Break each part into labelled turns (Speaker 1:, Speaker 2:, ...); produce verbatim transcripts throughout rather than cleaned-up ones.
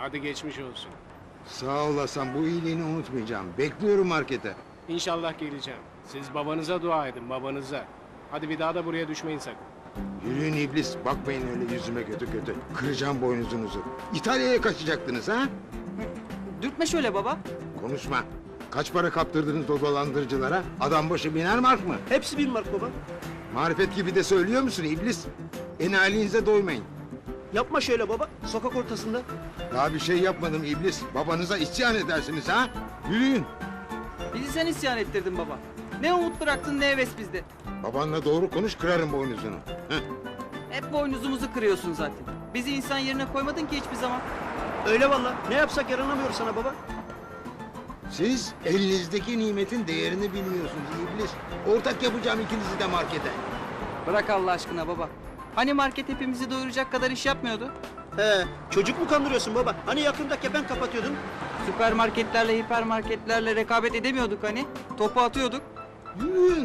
Speaker 1: Hadi geçmiş olsun.
Speaker 2: Sağ olasın, bu iyiliğini unutmayacağım. Bekliyorum markete.
Speaker 1: İnşallah geleceğim. Siz babanıza dua edin, babanıza. Hadi bir daha da buraya düşmeyin sakın.
Speaker 2: Yürüyün iblis, bakmayın öyle yüzüme kötü kötü. Kıracağım boynuzunuzu. İtalya'ya kaçacaktınız ha?
Speaker 3: Dürtme şöyle baba.
Speaker 2: Konuşma. Kaç para kaptırdınız o dolandırıcılara? Adam başı biner mark mı?
Speaker 4: Hepsi bin mark baba.
Speaker 2: Marifet gibi de söylüyor musun iblis? Enalinize doymayın.
Speaker 4: Yapma şöyle baba. Sokak ortasında.
Speaker 2: Daha bir şey yapmadım iblis. Babanıza isyan edersiniz ha? Yürüyün.
Speaker 3: Bizi sen isyan ettirdin baba. Ne umut bıraktın ne heves bizde.
Speaker 2: Babanla doğru konuş, kırarım boynuzunu. Heh.
Speaker 3: Hep boynuzumuzu kırıyorsun zaten. Bizi insan yerine koymadın ki hiçbir zaman.
Speaker 4: Öyle valla. Ne yapsak yaranamıyoruz sana baba.
Speaker 2: Siz elinizdeki nimetin değerini bilmiyorsunuz iblis. Ortak yapacağım ikinizi de markete.
Speaker 3: Bırak Allah aşkına baba. Hani market hepimizi doyuracak kadar iş yapmıyordu?
Speaker 4: He, çocuk mu kandırıyorsun baba? Hani yakında kepen kapatıyordun?
Speaker 3: Süpermarketlerle, hipermarketlerle rekabet edemiyorduk hani. Topu atıyorduk.
Speaker 2: Yürüyün.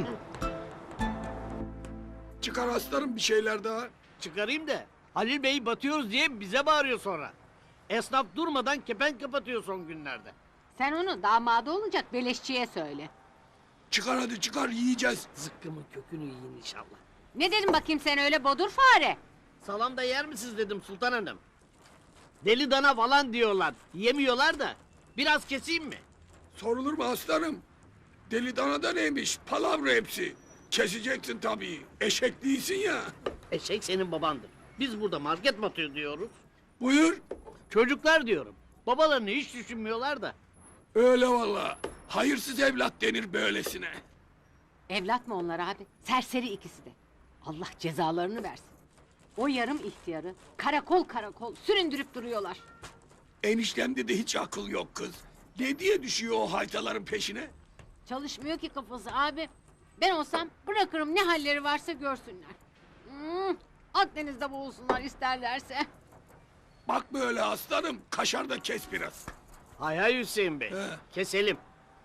Speaker 5: Çıkar aslanım bir şeyler daha.
Speaker 6: Çıkarayım da Halil Bey batıyoruz diye bize bağırıyor sonra. Esnaf durmadan kepenk kapatıyor son günlerde.
Speaker 7: Sen onu damadı olacak beleşçiye söyle.
Speaker 5: Çıkar hadi çıkar yiyeceğiz.
Speaker 6: Zıkkımın kökünü yiyin inşallah.
Speaker 7: Ne dedim bakayım sen öyle bodur fare?
Speaker 6: Salam da yer misiniz dedim Sultan Hanım. Deli dana falan diyorlar. Yemiyorlar da. Biraz keseyim mi?
Speaker 5: Sorulur mu aslanım? Deli dana da neymiş? Palavra hepsi. Keseceksin tabii. Eşek değilsin ya.
Speaker 6: Eşek senin babandır. Biz burada market batıyor diyoruz.
Speaker 5: Buyur.
Speaker 6: Çocuklar diyorum. Babalarını hiç düşünmüyorlar da.
Speaker 5: Öyle valla. Hayırsız evlat denir böylesine.
Speaker 7: Evlat mı onlar abi? Serseri ikisi de. Allah cezalarını versin. O yarım ihtiyarı karakol karakol süründürüp duruyorlar.
Speaker 5: Eniştemde de hiç akıl yok kız. Ne diye düşüyor o haytaların peşine?
Speaker 7: Çalışmıyor ki kafası abi. Ben olsam bırakırım ne halleri varsa görsünler. Hmm, Akdeniz'de boğulsunlar isterlerse.
Speaker 5: Bak böyle aslanım. Kaşar da kes biraz.
Speaker 6: Hay hay Hüseyin Bey.
Speaker 5: He.
Speaker 6: Keselim.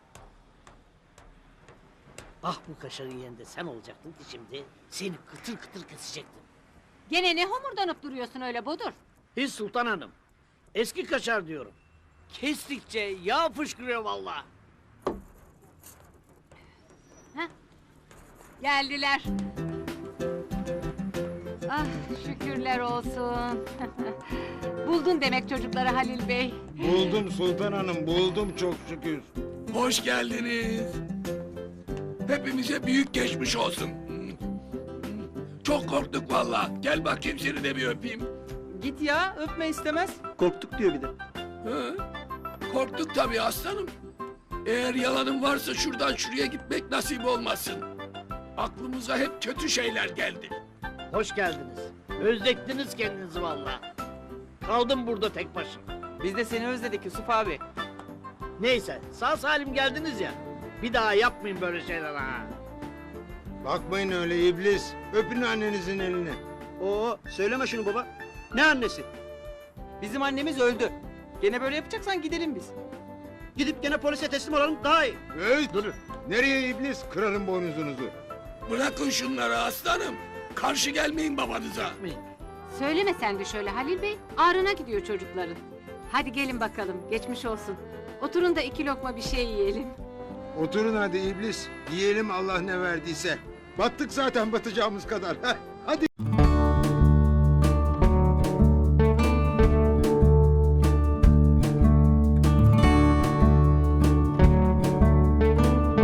Speaker 6: Ah bu kaşarın yerinde sen olacaktın ki şimdi. Seni kıtır kıtır kesecektim.
Speaker 7: Gene ne homurdanıp duruyorsun öyle bodur?
Speaker 6: Hiç Sultan Hanım. Eski kaşar diyorum. Kestikçe yağ fışkırıyor vallahi.
Speaker 7: Geldiler. Ah şükürler olsun. Buldun demek çocukları Halil Bey.
Speaker 2: Buldum Sultan Hanım, buldum çok şükür.
Speaker 5: Hoş geldiniz. Hepimize büyük geçmiş olsun. Çok korktuk valla. Gel bakayım seni de bir öpeyim.
Speaker 3: Git ya öpme istemez.
Speaker 4: Korktuk diyor bir de.
Speaker 5: Hı? Korktuk tabii aslanım. Eğer yalanın varsa şuradan şuraya gitmek nasip olmasın. Aklımıza hep kötü şeyler geldi.
Speaker 6: Hoş geldiniz. Özlettiniz kendinizi vallahi. Kaldım burada tek başıma.
Speaker 3: Biz de seni özledik Yusuf abi.
Speaker 6: Neyse sağ salim geldiniz ya. Bir daha yapmayın böyle şeyler ha.
Speaker 2: Bakmayın öyle iblis. Öpün annenizin elini.
Speaker 4: Oo, söyleme şunu baba. Ne annesi?
Speaker 3: Bizim annemiz öldü. Gene böyle yapacaksan gidelim biz.
Speaker 4: Gidip gene polise teslim olalım daha iyi.
Speaker 2: Hey,
Speaker 6: Durun.
Speaker 2: nereye iblis? Kırarım boynuzunuzu.
Speaker 5: Bırakın şunları aslanım. Karşı gelmeyin babanıza.
Speaker 6: Yapmayın.
Speaker 7: Söyleme sen de şöyle Halil Bey. Ağrına gidiyor çocukların. Hadi gelin bakalım geçmiş olsun. Oturun da iki lokma bir şey yiyelim.
Speaker 2: Oturun hadi iblis. Yiyelim Allah ne verdiyse. Battık zaten batacağımız kadar. Heh.